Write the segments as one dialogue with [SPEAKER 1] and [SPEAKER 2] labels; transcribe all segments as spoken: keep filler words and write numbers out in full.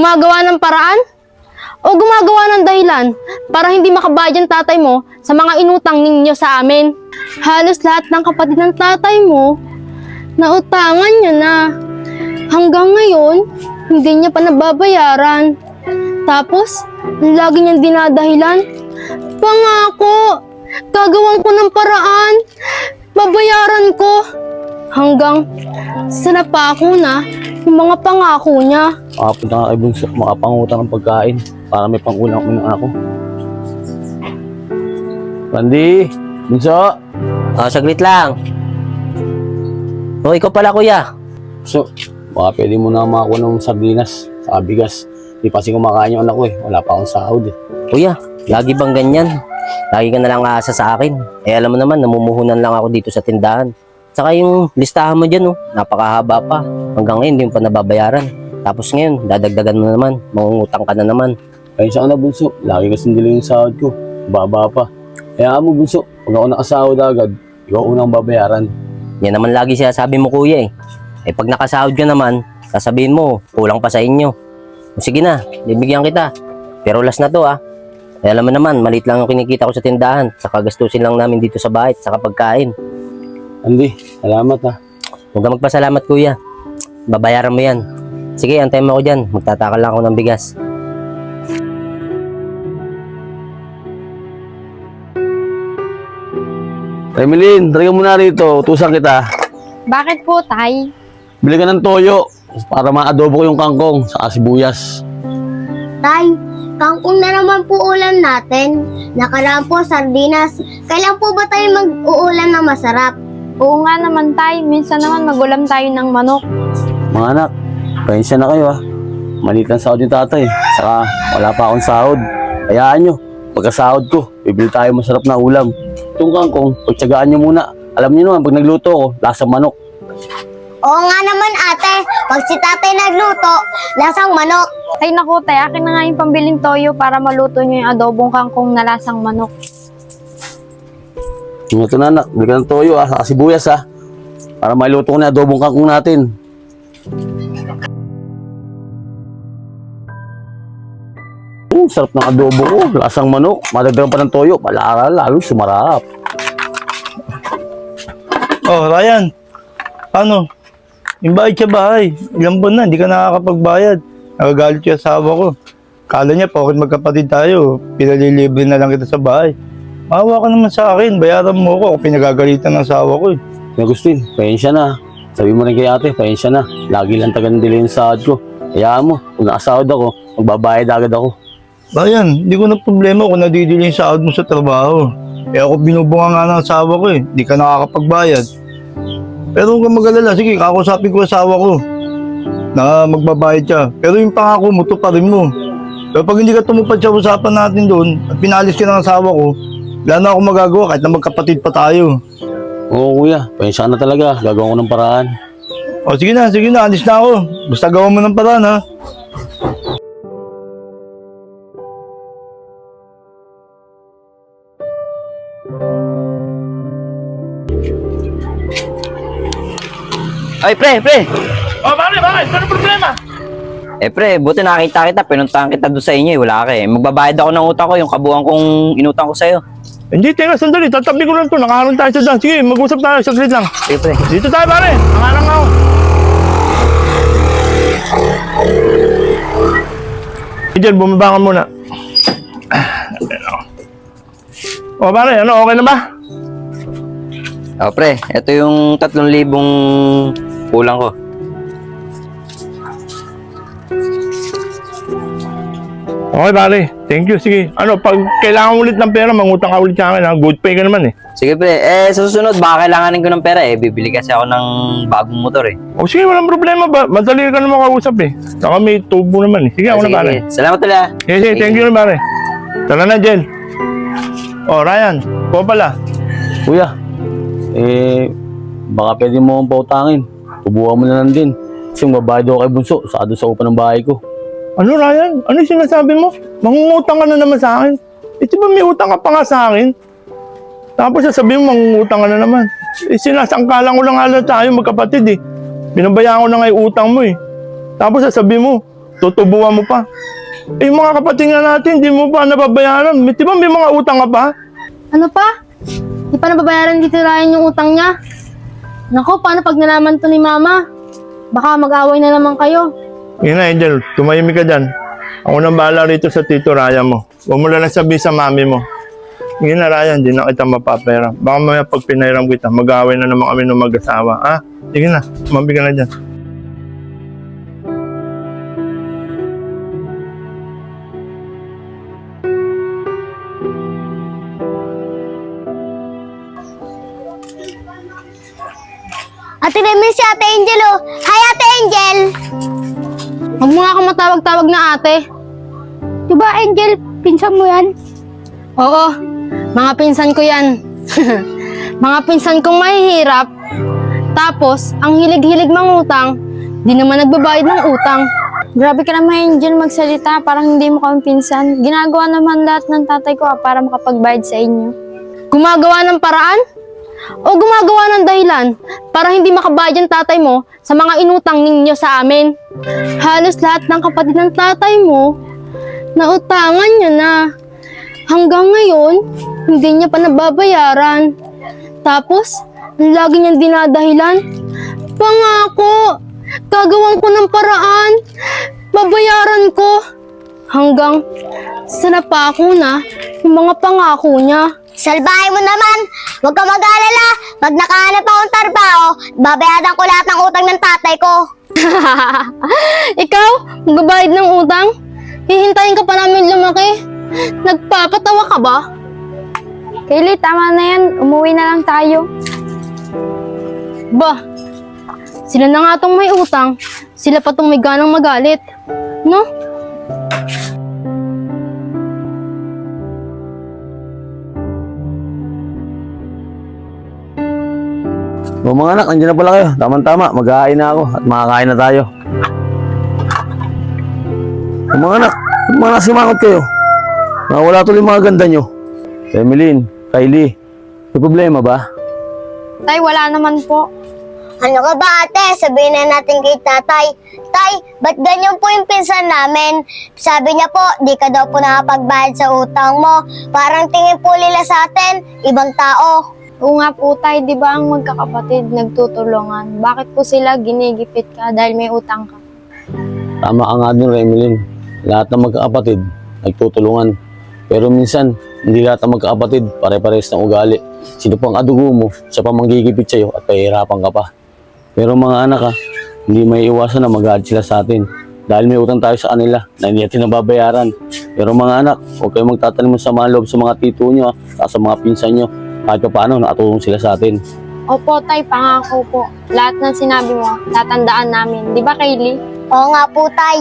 [SPEAKER 1] Gumagawa ng paraan? O gumagawa ng dahilan para hindi makabayad ang tatay mo sa mga inutang ninyo sa amin? Halos lahat ng kapatid ng tatay mo, nautangan niya na. Hanggang ngayon, hindi niya pa nababayaran. Tapos, lagi niyang dinadahilan, pangako, gagawin ko ng paraan, babayaran ko. Hanggang sa napako na yung mga pangako niya.
[SPEAKER 2] Makapunta nga kay Bunso, makapangutang ng pagkain para may pangulang kami ng ako. Randy! Bunso!
[SPEAKER 3] Oh, saglit lang. Oh, ikaw pala, kuya.
[SPEAKER 2] So, baka pwede mo na makakuha ng sardinas sa bigas. Di pa kasi kumakain yung anak ko eh. Wala pa akong sahod eh.
[SPEAKER 3] Kuya, lagi bang ganyan? Lagi ka na lang aasa sa akin. Eh, alam mo naman, namumuhunan lang ako dito sa tindahan. Saka yung listahan mo dyan, oh, napakahaba pa. Hanggang ngayon, hindi mo pa nababayaran. Tapos ngayon, dadagdagan mo na naman. Mangungutang ka na naman.
[SPEAKER 2] Kaya siya ka na, Bunso. Lagi kasi nila yung sahod ko. Baba pa. Kaya mo, Bunso, pag ako nakasahod agad, ikaw unang babayaran.
[SPEAKER 3] Yan naman lagi siya sabi mo, kuya eh. Eh, pag nakasahod ka naman, sasabihin mo, kulang pa sa inyo. O, sige na, bibigyan kita. Pero last na to, ah. Eh, alam mo naman, maliit lang yung kinikita ko sa tindahan. Saka gastusin lang namin dito sa bahay, saka pagkain.
[SPEAKER 2] Andy, salamat ha.
[SPEAKER 3] Huwag ka magpasalamat, kuya. Babayaran mo yan. Sige, antayin mo ako dyan. Magtatakal lang ako ng bigas.
[SPEAKER 2] Remelin, talaga muna rito. Utusan kita.
[SPEAKER 1] Bakit po, tay?
[SPEAKER 2] Bili ka ng toyo para ma-adobo ko yung kangkong sa sibuyas.
[SPEAKER 4] Tay, kangkong na naman po ulam natin. Nakaraan po sardinas. Kailan po ba tayo mag-uulam na masarap?
[SPEAKER 1] Oo nga naman, tay. Minsan naman magulam tayo ng manok.
[SPEAKER 2] Mga anak, pensya na kayo ha. Maliit ang sahod yung tatay. Saka wala pa akong sahod. Hayaan nyo, pagkasahod ko, bibili tayo masarap na ulam. Itong kangkong, pagtsagaan nyo muna. Alam nyo naman, pag nagluto ko, lasang manok.
[SPEAKER 4] Oo nga naman ate, pag si tatay nagluto, lasang manok.
[SPEAKER 1] Ay naku, tay. Akin na nga yung pambiling toyo para maluto nyo yung adobong kangkong na lasang manok.
[SPEAKER 2] Yung ito na anak, bili ka ng toyo ha, saka sibuyas ha. Para mailuto ko na adobong kangkong natin. Oh, sarap ng adobo ko, lasang manok. Madagdagan pa ng toyo, palara lalo sumarap.
[SPEAKER 5] Oh, Ryan. Ano? Yung bayad sa bahay. Ilang buwan na, hindi ka nakakapagbayad. Nagagalit yung asawa ko. Kala niya, bakit magkapatid tayo? Pinalilibre na lang kita sa bahay. Maawa ka naman sa akin. Bayaran mo ko. Pinagagalitan ng asawa ko eh.
[SPEAKER 2] Agustin, pasensya na. Sabi mo rin kay ate, pasensya na. Lagi lang taga-nandila yung sahod ko. Hayaan mo, kung nakasahod ako, magbabayad agad ako.
[SPEAKER 5] Ryan, hindi ko na problema kung nadidili yung sahod mo sa trabaho. Eh ako binubunga nga ng asawa ko eh. Hindi ka nakakapagbayad. Pero huwag kang mag-alala. Sige, kakusapin ko asawa ko na magbabayad siya. Pero yung pangako mo, tuparin mo. Pero pag hindi ka tumupad sa usapan natin doon at pinalis ka ng asawa ko, wala na ako magagawa kahit na magkapatid pa tayo.
[SPEAKER 2] Oo kuya, pasensya na talaga. Gagawin ko ng paraan.
[SPEAKER 5] O sige na, sige na. Alis na ako. Basta gawa mo ng paraan ha.
[SPEAKER 3] Ay, pre, pre!
[SPEAKER 5] O, bakit, bakit? Ano problema?
[SPEAKER 3] Eh, pre, buti nakita kita. Pinuntahan kita doon sa inyo eh. Wala ka eh. Magbabayad ako ng utang ko, yung kabuuan kong inutang ko sa'yo.
[SPEAKER 5] Hindi, teka, sandali. Tatabi ko lang to. Nakaroon tayo sa daan. Sige, mag-usap tayo. Saglit lang.
[SPEAKER 3] Sige, pre.
[SPEAKER 5] Dito tayo, pare. Nangarang ako. Diyan, bumaba ka muna. O, pare, ano, okay na ba?
[SPEAKER 3] Oh, pre, ito yung tatlong libong kulang ko.
[SPEAKER 5] Okay, pare. Thank you. Sige. Ano, pag kailangan ulit ng pera, mangutang ka ulit sa akin. Ha? Good pay ka naman eh.
[SPEAKER 3] Sige, pre. Eh, sa susunod, baka kailanganin ko ng pera eh. Bibili kasi ako ng bagong motor eh.
[SPEAKER 5] O sige, walang problema ba? Madali ka naman kausap eh. Saka may tubo naman eh. Sige, ako
[SPEAKER 3] sige,
[SPEAKER 5] na pare.
[SPEAKER 3] sige. Salamat ulit ah.
[SPEAKER 5] Sige, sige. Thank you na pare. Tara na, Jen. O, Ryan. Ko pala.
[SPEAKER 2] Kuya, eh, baka pwede mo akong pautangin. Tubuhan mo na lang din. Kasi mabayad ako kay Bunso, saka doon sa upa ng bahay ko.
[SPEAKER 5] Ano, Ryan? Ano yung sinasabi mo? Mangungutang ka na naman sa akin. Eh, di ba may utang ka pa nga sa akin? Tapos sasabihin mo, mangungutang ka na naman. Eh, sinasangkalan ko lang nga tayo magkapatid eh. Binabayaan ko na nga yung utang mo eh. Tapos sasabihin mo, tutubuan mo pa. Eh, yung mga kapatid nga natin, di mo pa nababayaran. May- Di ba may mga utang ka pa?
[SPEAKER 1] Ano pa? Di pa nababayaran dito Ryan yung utang niya. Nako, paano pag nalaman to ni Mama? Baka mag-away na naman kayo.
[SPEAKER 5] Yun na, Angel, tumahimik ka dyan. Ako nang bahala rito sa Tito Ryan mo. Huwag mo lang sabihin sa mami mo. Yun na, Ryan, di na kita mapapera. Baka mamaya pag pinairam kita, mag-away na naman kami ng mag-asawa. Ha? Sige na, mabi ka na dyan.
[SPEAKER 4] Ate Remy, si Ate Angel oh. Hi, Ate Angel!
[SPEAKER 1] Huwag mo nga akong matawag-tawag na ate.
[SPEAKER 4] Diba, Angel? Pinsan mo yan?
[SPEAKER 1] Oo, mga pinsan ko yan. Mga pinsan kong mahihirap. Tapos, ang hilig-hilig mangutang, di naman nagbabayad ng utang.
[SPEAKER 6] Grabe ka naman, Angel, magsalita. Parang hindi mo kami pinsan. Ginagawa naman lahat ng tatay ko ah, para makapagbayad sa inyo.
[SPEAKER 1] Gumagawa ng paraan? O gumagawa ng dahilan para hindi makabayad ang tatay mo sa mga inutang ninyo sa amin? Halos lahat ng kapatid ng tatay mo, nautangan niya na. Hanggang ngayon, hindi niya pa nababayaran. Tapos, ang lagi niyang dinadahilan, pangako, gagawin ko ng paraan, babayaran ko. Hanggang sa napako na yung mga pangako niya.
[SPEAKER 4] Salbahin mo naman! Huwag ka mag-alala! Pag nakahanap akong trabaho, babayadan ko lahat ng utang ng tatay ko.
[SPEAKER 1] Ikaw, magbabayad ng utang? Hihintayin ka pa namin lumaki? Nagpapatawa ka ba?
[SPEAKER 6] Kaylee, tama na yan. Umuwi na lang tayo.
[SPEAKER 1] Ba, sila na nga tong may utang, sila pa tong may ganang magalit. No?
[SPEAKER 2] O mga anak, nandiyan na pala kayo. Tama-tama, mag-ahain na ako at makakain na tayo. O mga anak, mga nasimangot kayo. Nakawala tuloy mga ganda nyo. Emeline, Kylie, may problema ba?
[SPEAKER 6] Tay, wala naman po.
[SPEAKER 4] Ano ka ba, ate? Sabihin na natin kay tatay. Tay, ba't ganyan po yung pinsan namin? Sabi niya po, di ka daw po nakapagbayad sa utang mo. Parang tingin po nila sa atin, ibang tao.
[SPEAKER 6] Oo nga po, Tay, di ba ang magkakapatid nagtutulungan? Bakit po sila ginigipit ka dahil may utang ka?
[SPEAKER 2] Tama ka nga dun, Emeline. Lahat ng magkakapatid, nagtutulungan. Pero minsan, hindi lahat ng magkakapatid, pare-pares ng ugali. Sino pang adugo mo, siya pa manggigipit sa'yo at pahihirapan ka pa. Pero mga anak ha, hindi may iwasan na mag-aad sila sa atin. Dahil may utang tayo sa kanila na hindi natin nababayaran. Pero mga anak, huwag kayong magtatanim sa mga loob sa mga tito nyo at sa mga pinsan nyo. Kahit pa paano, nakatulong sila sa atin.
[SPEAKER 6] Opo, Tay, pangako po. Lahat ng sinabi mo, tatandaan namin. Di ba, Kaylee?
[SPEAKER 4] Oo nga po, tay.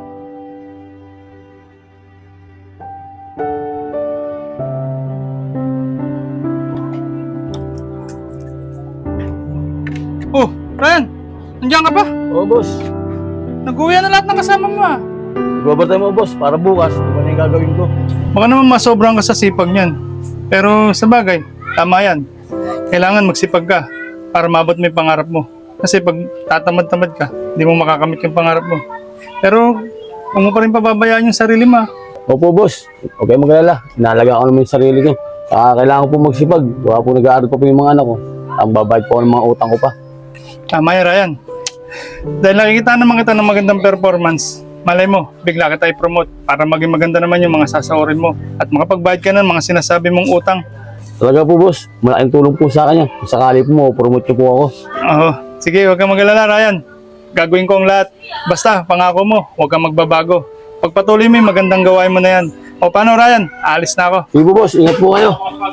[SPEAKER 7] Oh, Ryan, nandiyan ka pa?
[SPEAKER 2] Oo, boss.
[SPEAKER 7] Nag-uwi na lahat ng kasama mo ah.
[SPEAKER 2] Mag-overtime mo, boss, para bukas. Ano na yung gagawin ko?
[SPEAKER 7] Baka naman masobrang ka sa sipag niyan. Pero sa bagay, tama yan. Kailangan magsipag ka para mabot mo yung pangarap mo. Kasi pag tatamad-tamad ka, hindi mo makakamit yung pangarap mo. Pero huwag mo pa rin pababayaan yung sarili mo ah.
[SPEAKER 2] Opo, boss. Huwag kayong mag-alala. Inalaga ko naman yung sarili ko. Saka kailangan ko po magsipag. Baka po nag-aaral pa po yung mga anak ko. Ang babayad po ako ng mga utang ko pa.
[SPEAKER 7] Tama yan, Ryan. Dahil nakikita naman kita ng magandang performance, malay mo, bigla kita i-promote para maging maganda naman yung mga sasaorin mo at makapagbayad ka ng mga sinasabi mong utang.
[SPEAKER 2] Talaga po, boss. Malaking tulong po sa kanya. Kung sakali po mo, promote niyo po ako.
[SPEAKER 7] Oo. Sige, huwag kang mag-alala, Ryan. Gagawin ko ang lahat. Basta, pangako mo, huwag kang magbabago. Pagpatuloy mo yung magandang gawain mo na yan. O paano, Ryan? Aalis na ako.
[SPEAKER 2] Sige po, boss. Ingat po kayo.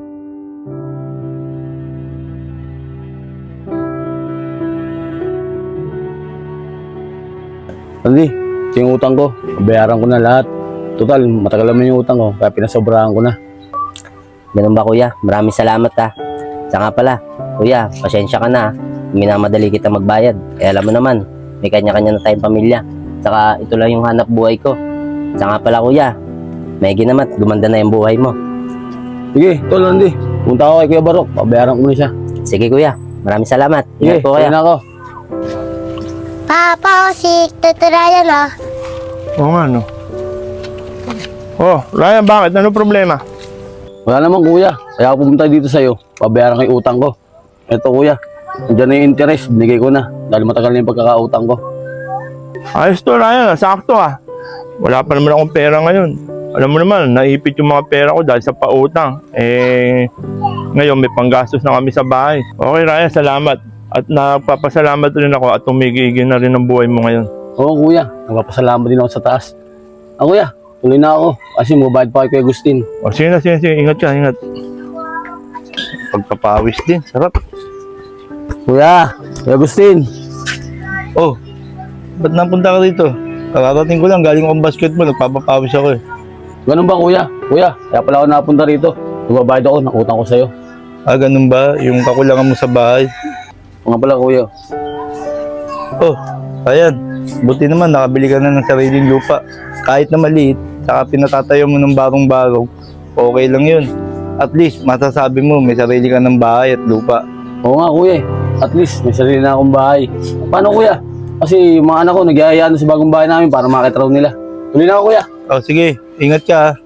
[SPEAKER 2] Andy, ito yung utang ko. Bayaran ko na lahat. Total, matagal naman yung utang ko. Kaya pinasobrahan ko na.
[SPEAKER 3] Ganun ba, kuya? Maraming salamat ha. Sa nga pala, kuya, pasensya ka na. Minamadali kita magbayad. Eh alam mo naman, may kanya-kanya na tayong pamilya. Saka ito lang yung hanap buhay ko. Sa nga pala, kuya, may ginamat, gumanda na yung buhay mo.
[SPEAKER 2] Sige, tol, Andy. Punta ako kay Kuya Barok. Pabayaran ko na siya.
[SPEAKER 3] Sige, kuya. Maraming salamat.
[SPEAKER 2] Sige,
[SPEAKER 3] Ingat po kayo.
[SPEAKER 2] kaya na ako.
[SPEAKER 4] Papa, si Tito Ryan, oh.
[SPEAKER 5] Oo nga, no. Oh, Ryan, bakit? Ano problema?
[SPEAKER 2] Wala naman kuya, kaya ako pumunta dito sa'yo. Pabayaran ko yung utang ko. Ito kuya, nandiyan na yung interest, binigay ko na. Dahil matagal na yung pagkakautang ko.
[SPEAKER 5] Ayos to, Ryan. Sakto ah. Wala pa naman akong pera ngayon. Alam mo naman, naipit yung mga pera ko dahil sa pautang. Eh, ngayon may panggastos na kami sa bahay. Okay, Ryan, salamat. At nagpapasalamat rin ako at tumigigil na rin ang buhay mo ngayon.
[SPEAKER 2] Oo kuya, nagpapasalamat din ako sa taas. Ah kuya, tuloy na ako. Kasi mabayad pa kay Kuya Agustin.
[SPEAKER 5] O, sige na, sige, sige. Ingat ka, ingat. Pagpapawis din. Sarap.
[SPEAKER 2] Kuya, Kuya Agustin.
[SPEAKER 5] Oh, ba't napunta ka dito? Kararating ko lang, galing akong basketball. Nagpapapawis ako eh.
[SPEAKER 2] Ganun ba kuya? Kuya, kaya pala ako napunta rito. Nagbabayad ako ng utang ko sa'yo.
[SPEAKER 5] Ah, ganun ba? Yung kakulangan mo sa bahay?
[SPEAKER 2] Mga pala kuya.
[SPEAKER 5] Oh, ayan. Buti naman, nakabili ka na ng sariling lupa. Kahit na maliit, saka pinatatayo mo ng barong-barong, okay lang yun. At least, masasabi mo, may sarili ka ng bahay at lupa.
[SPEAKER 2] Oo nga kuya, at least may sarili na akong bahay. Paano kuya? Kasi yung mga anak ko nagyayaan na sa bagong bahay namin para makita raw nila. Tuloy na ako kuya.
[SPEAKER 5] Oh, sige. Ingat ka ha.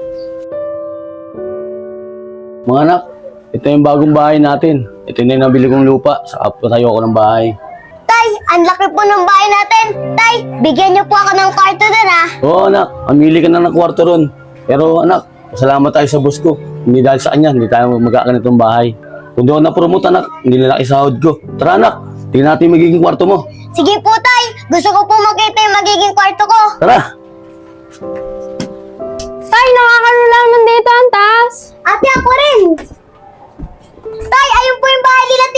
[SPEAKER 2] Mga anak, ito yung bagong bahay natin. Ito na yung nabili kong lupa. Saka patayo ako ng bahay.
[SPEAKER 4] Tay, ang laki po ng bahay natin. Tay, bigyan niyo po ako ng kwarto din ah.
[SPEAKER 2] Oo anak, mamili ka na ng kwarto ron. Pero anak, salamat tayo sa boss ko. Hindi dahil sa kanya, hindi tayo magkakanitong bahay. Kung doon na-promote anak, hindi nila isahod ko. Tara anak, tingnan natin yung magiging kwarto mo.
[SPEAKER 4] Sige po, Tay. Gusto ko po makita yung magiging kwarto ko.
[SPEAKER 2] Tara!
[SPEAKER 6] Tay, nakakalula naman dito ang taas.
[SPEAKER 4] Ate, ako rin. Tay, ayun po yung bahay nila